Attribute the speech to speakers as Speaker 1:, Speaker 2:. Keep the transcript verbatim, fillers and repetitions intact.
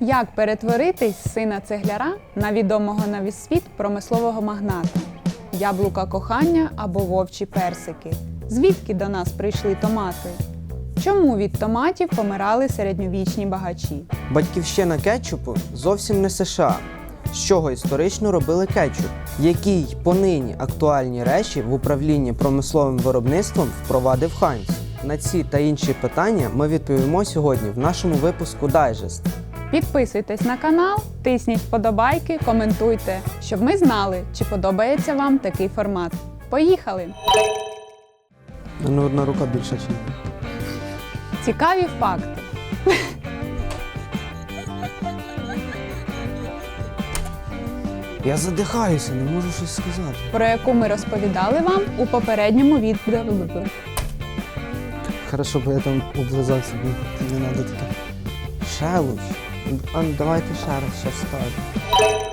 Speaker 1: Як перетворитись з сина цегляра на відомого на весь світ промислового магната? Яблука кохання або вовчі персики? Звідки до нас прийшли томати? Чому від томатів помирали середньовічні багачі?
Speaker 2: Батьківщина кетчупу зовсім не США. З чого історично робили кетчуп? Які й понині актуальні речі в управлінні промисловим виробництвом впровадив Хайнц? На ці та інші питання ми відповімо сьогодні в нашому випуску «Дайджест».
Speaker 1: Підписуйтесь на канал, тисніть вподобайки, коментуйте, щоб ми знали, чи подобається вам такий формат. Поїхали!
Speaker 2: Ну, одна рука більша, чи ні?
Speaker 1: Цікаві факти.
Speaker 2: Я задихаюся, не можу щось сказати.
Speaker 1: Про яку ми розповідали вам у попередньому відео.
Speaker 2: Хорошо, бо я там облизався, не треба таке. Шелуч. А, давайте ще раз, ще скажу.